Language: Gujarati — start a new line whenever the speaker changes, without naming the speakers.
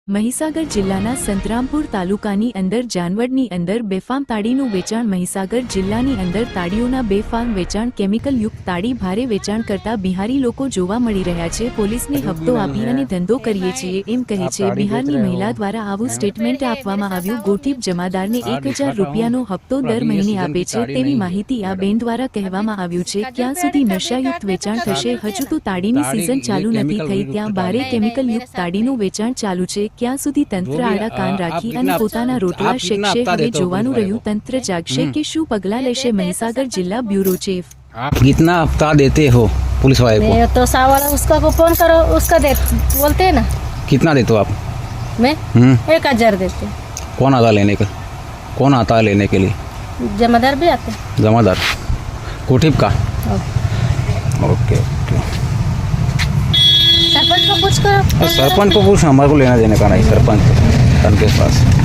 મહીસાગર જિલ્લાના સંતરામપુર તાલુકાની અંદર જાનવડની અંદર બેફામ તાડીનું વેચાણ મહીસાગર જિલ્લાની અંદર તાડીઓના બેફામ વેચાણ કેમિકલ યુક્ત તાડી ભારે વેચાણ કરતા બિહારી લોકો જોવા મળી રહ્યા છે। પોલીસને હપ્તો આપી અને ધંધો કરીએ છીએ એમ કહે છે બિહારની મહિલા દ્વારા આવું સ્ટેટમેન્ટ આપવામાં આવ્યું। ગોઠીપ જમાદારને 1000 રૂપિયાનો હપ્તો દર મહિને આપે છે તેવી માહિતી આ બેન દ્વારા કહેવામાં આવ્યું છે। ક્યાં સુધી નશાયુક્ત વેચાણ થશે? હજુ તો તાડીની સિઝન ચાલુ નથી થઈ ત્યાં ભારે કેમિકલ યુક્ત તાડીનું વેચાણ ચાલુ છે। ક્યાં સુધી તંત્ર આડા કાન રાખી અને પોતાના રોટલા શેકશે? હવે જોવાનું રહ્યું તંત્ર જાગશે કે શું પગલાં લેશે। મહીસાગર जिला ब्यूरो चीफ।
आप कितना हफ्ता देते हो पुलिस वाले को?
मैं तो सावाला उसका को फोन करो उसका दे बोलते हैं ना।
कितना देते हो आप?
मैं 1000 देते।
कौन आता लेने का? कौन आता है लेने के लिए?
जमादार भी आते।
जमादार कोठीप का? Okay okay.
सरपंच को पूछ करो।
सरपंच को पूछ, हमारे को लेना देने का नहीं। सरपंच के पास